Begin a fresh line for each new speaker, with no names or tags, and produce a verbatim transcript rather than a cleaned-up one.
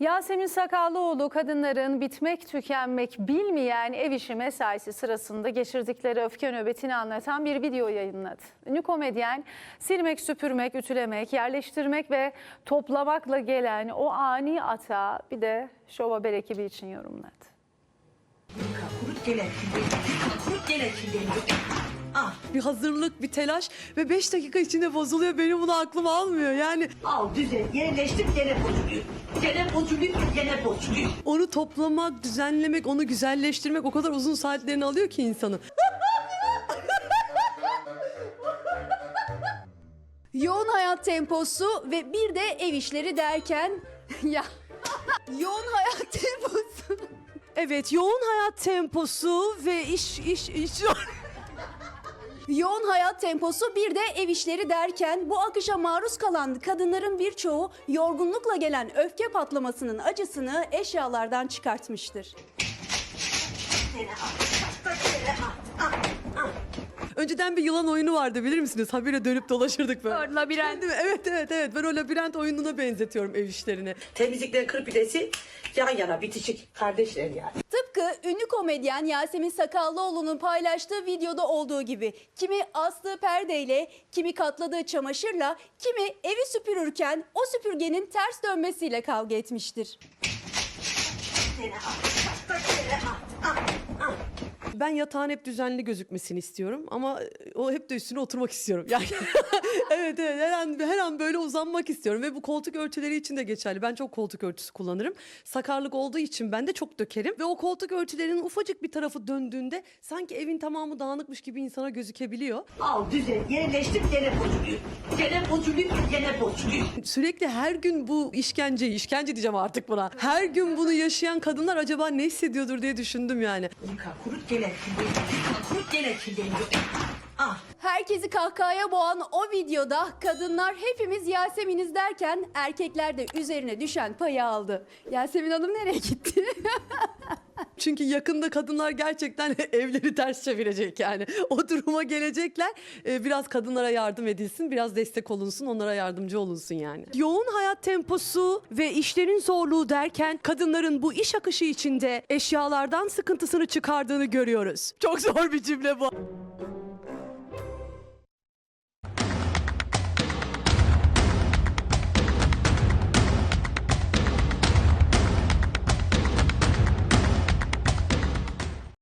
Yasemin Sakallıoğlu kadınların bitmek tükenmek bilmeyen ev işi mesaisi sırasında geçirdikleri öfke nöbetini anlatan bir video yayınladı. Ünlü komedyen silmek, süpürmek, ütülemek, yerleştirmek ve toplamakla gelen o ani atağı bir de Şov Haber ekibi için yorumladı.
Kurut gelen kurut gelen Ah.
Bir hazırlık, bir telaş ve beş dakika içinde bozuluyor. Benim bunu aklım almıyor yani.
Al düzen yerleştir gene bozuluyor. Gene bozuluyor gene bozuluyor.
Onu toplamak, düzenlemek, onu güzelleştirmek o kadar uzun saatlerini alıyor ki insanın.
Yoğun hayat temposu ve bir de ev işleri derken ya yoğun hayat temposu.
Evet, yoğun hayat temposu ve iş iş iş.
Yoğun hayat temposu bir de ev işleri derken bu akışa maruz kalan kadınların birçoğu yorgunlukla gelen öfke patlamasının acısını eşyalardan çıkartmıştır.
Gene al. Gene al. Al. Al.
Önceden bir yılan oyunu vardı, bilir misiniz? Habire dönüp dolaşırdık böyle.
Labirent.
Değil mi? Evet evet evet. Ben o labirent oyununa benzetiyorum ev işlerini.
Temizliklerin kırpidesi yan yana bitişik kardeşler yani.
Tıpkı ünlü komedyen Yasemin Sakallıoğlu'nun paylaştığı videoda olduğu gibi kimi astığı perdeyle, kimi katladığı çamaşırla, kimi evi süpürürken o süpürgenin ters dönmesiyle kavga etmiştir.
Gene al. Gene al. Al. Al.
Ben yatağın hep düzenli gözükmesini istiyorum ama o hep de üstüne oturmak istiyorum. Yani evet evet her an, her an böyle uzanmak istiyorum ve bu koltuk örtüleri için de geçerli. Ben çok koltuk örtüsü kullanırım. Sakarlık olduğu için ben de çok dökerim ve o koltuk örtülerinin ufacık bir tarafı döndüğünde sanki evin tamamı dağınıkmış gibi insana gözükebiliyor.
Al düzen yerleştir gene bozuluyor. Gene bozuluyor gene bozuluyor.
Sürekli her gün bu işkenceyi, işkence diyeceğim artık buna. Her gün bunu yaşayan kadınlar acaba ne hissediyordur diye düşündüm yani.
Yıka kurut gelen kurut gelen Ah.
Herkesi kahkahaya boğan o videoda kadınlar hepimiz Yasemin'iz derken erkekler de üzerine düşen payı aldı. Yasemin Hanım nereye gitti?
Çünkü yakında kadınlar gerçekten evleri ters çevirecek yani. O duruma gelecekler. Ee, biraz kadınlara yardım edilsin, biraz destek olunsun, onlara yardımcı olunsun yani. Yoğun hayat temposu ve işlerin zorluğu derken kadınların bu iş akışı içinde eşyalardan sıkıntısını çıkardığını görüyoruz. Çok zor bir cümle bu.